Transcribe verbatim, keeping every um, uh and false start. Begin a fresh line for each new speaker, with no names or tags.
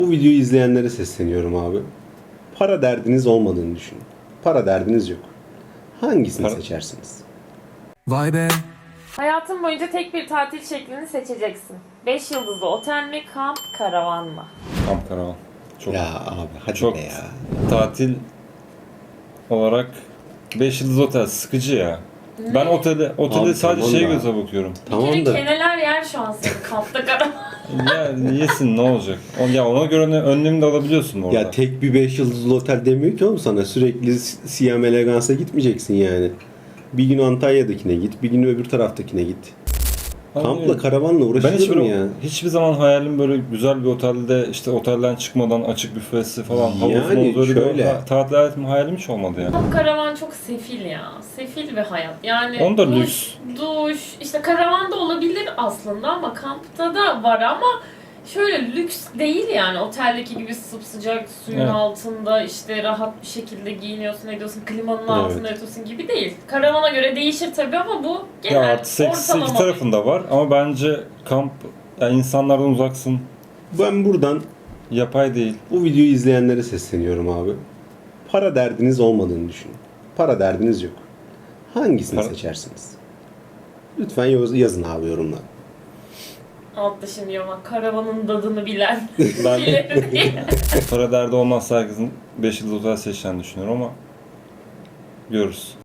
Bu videoyu izleyenlere sesleniyorum abi. Para derdiniz olmadığını düşünün. Para derdiniz yok. Hangisini
Para-
seçersiniz?
Vay be.
Hayatın boyunca tek bir tatil şeklini seçeceksin. Beş yıldızlı otel mi, kamp, karavan mı?
Kamp karavan. Çok
Ya abi hadi
çok
be ya.
tatil olarak beş yıldız otel sıkıcı ya. Ben otelde otelde
Abi
sadece
tamam
şey
da.
göze bakıyorum.
Bir
Tamam
kere
da
keneler yer şu an senin kampta karavan.
Ya yesin ne olacak? O- Ya ona göre ne- önlemini de alabiliyorsun orada.
ya tek bir beş yıldızlı otel demiyor ki oğlum sana. Sürekli S- Siam Elegance'a gitmeyeceksin yani. Bir gün Antalya'dakine git, bir gün öbür taraftakine git.
Abi,
Kampla, karavanla
ben
uğraşılır
hiçbir,
mı ya?
hiçbir zaman hayalim böyle güzel bir otelde işte otelden çıkmadan açık büfesi falan havuz
Yani
mavuz öyle
şöyle.
bir ha- tatil hayatım hayalim hiç olmadı yani.
Kamp karavan çok sefil ya. Sefil bir hayat. Yani
Onda
duş,
lüks.
duş, işte karavan da olabilir aslında ama kampta da var ama şöyle lüks değil yani. Oteldeki gibi sıcak suyun
Evet.
altında işte rahat bir şekilde giyiniyorsun, ediyorsun, klimanın
Evet.
altında yatıyorsun gibi değil. Karavana göre değişir tabii ama bu genel
Ya artı eksisi iki
ortalama.
tarafında var ama bence kamp yani insanlardan uzaksın.
Ben buradan
Yapay değil.
bu videoyu izleyenlere sesleniyorum abi. Para derdiniz olmadığını düşünün. Para derdiniz yok. Hangisini
Para-
seçersiniz? Lütfen yaz- yazın abi yorumlara.
Altta şimdi ama karavanın tadını bilen
Ben
birileri diye.
para derdi olmazsa herkesin beş yıldız otel seçeceğini düşünüyorum ama görürüz.